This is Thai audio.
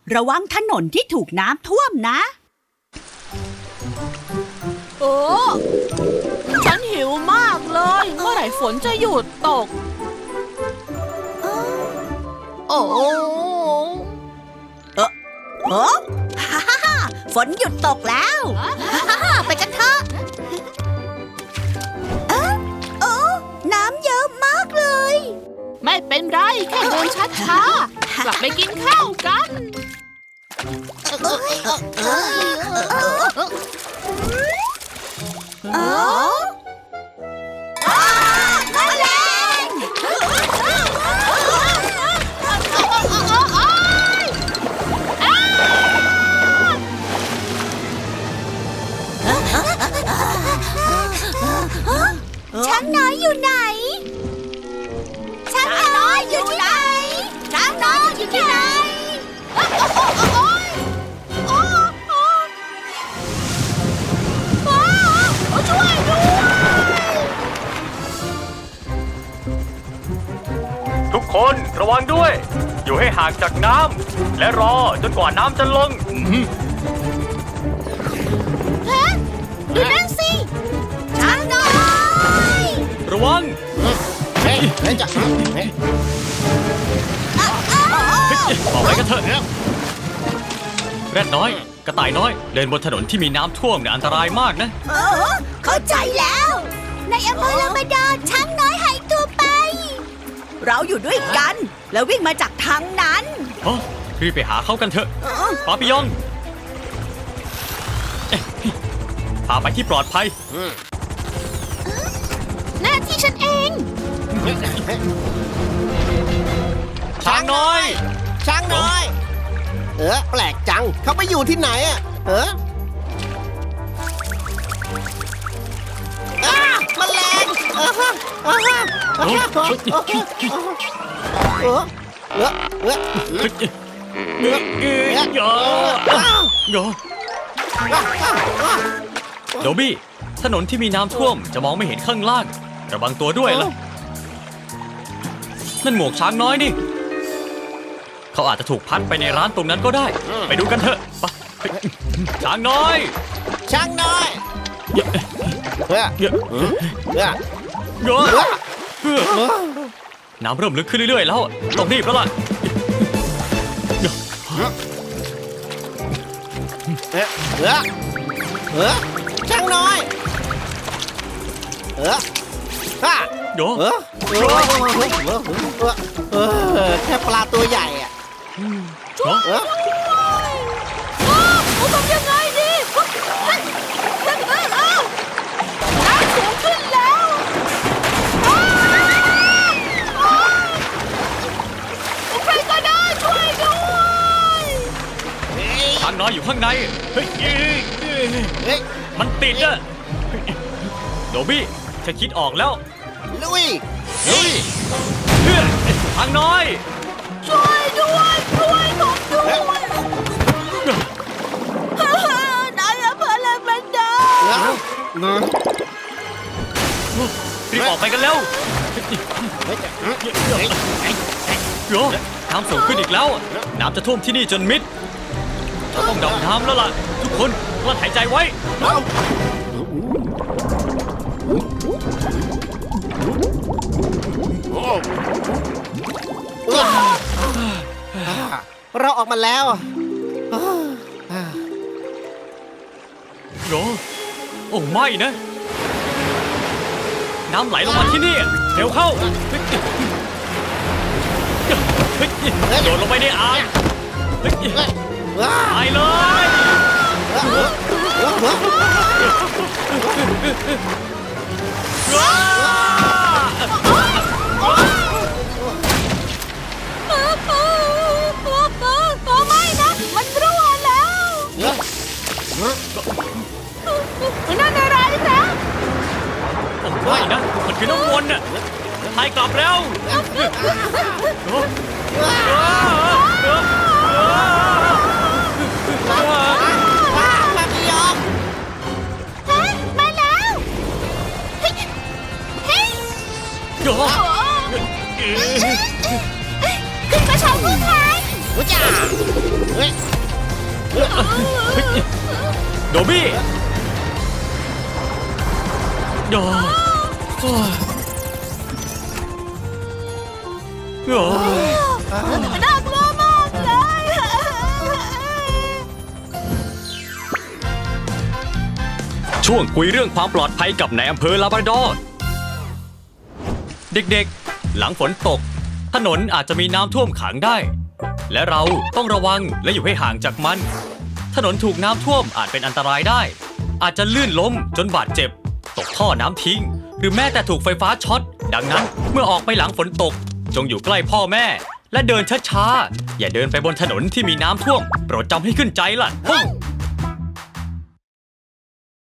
ระวังถนนที่ถูกน้ำท่วมนะโอ้ฉันหิวมากเลยเมื่อไหร่ฝนจะหยุดตกโอ้ฮ่าฮ่าฮ่าฝนหยุดตกแล้วฮ่าฮ่าฮ่าไปกันเถอะโอ้น้ำเยอะมากเลยไม่เป็นไรแค่เดินช้าๆกลับไปกินข้าวกันแมลงช้างน้อยอยู่ไหนช้างน้อยอยู่ที่ไหนช้างน้อยอยู่ที่ไหนช่วยด้วยทุกคนระวังด้วยอยู่ให้ห่างจากน้ำและรอจนกว่าน้ำจะลงดูนั่นสิช้างน้อยระวังออกไปกันเถอะแรดน้อยกระต่ายน้อยเดินบนถนนที่มีน้ำท่วมเนี่ยอันตรายมากนะเข้าใจแล้วในอำเภอลามาดาช้างน้อยหายตัวไปเราอยู่ด้วยกันแล้ววิ่งมาจากทางนั้นรีบไปหาเขากันเถอะปาปิยองพาไปที่ปลอดภัยหน้าที่ฉันเองช้างน้อยช้างน้อยแปลกจังเขาไปอยู่ที่ไหนอ่ะมันแรงโดบี้ถนนที่มีน้ำท่วมจะมองไม่เห็นข้างล่างระวังตัวด้วยล่ะนั่นหมวกช้างน้อยนี่เขาอาจจะถูกพัดไปในร้านตรงนั้นก็ได้ไปดูกันเถอะช้างน้อยช้างน้อยน้ำเริ่มลึกขึ้นเรื่อยๆแล้วต้องรีบแล้วล่ะช้างน้อยโยแค่ปลาตัวใหญ่อ่ะทำยังไงดีน้ำสูงขึ้นแล้วใครก็ได้ช่วยด้วยช้างน้อยอยู่ข้างในมันติดอะโดบี้ฉันคิดออกแล้วลุยช้างน้อยช่วยด้วยช่วยผมด้วยนายอำเภอลามาดารีบออกไปกันแล้วโยน้ำสูงขึ้นอีกแล้วน้ำจะท่วมที่นี่จนมิดเราต้องดำน้ำแล้วล่ะทุกคนกลั้นหายใจไว้เราออกมาแล้วโโอ้ไม่นะน้ำไหลลงมาที่นี่เร็วเข้าโดดลงไปในอ่างตายเลยไม่นะมันรั่วแล้วนั่นอะไรนะไม่นะมันคือน้ำวนน่ะพายกลับแล้วมาพี่ยอมมาแล้วขึ้นมาชมผู้ชายรู้จักเฮ้ยโดบี้โอ้โอ้ยโอ้ยน่ากลัวมากเลยช่วงคุยเรื่องความปลอดภัยกับนายอำเภอลาบราดอร์เด็กๆ หลังฝนตก ถนนอาจจะมีน้ำท่วมขังได้ และเราต้องระวังและอยู่ให้ห่างจากมัน ถนนถูกน้ำท่วมอาจเป็นอันตรายได้ อาจจะลื่นล้มจนบาดเจ็บ ตกท่อน้ำทิ้ง หรือแม้แต่ถูกไฟฟ้าช็อต ดังนั้นเมื่อออกไปหลังฝนตก จงอยู่ใกล้พ่อแม่ และเดินช้าๆ อย่าเดินไปบนถนนที่มีน้ำท่วม โปรดจำให้ขึ้นใจล่ะ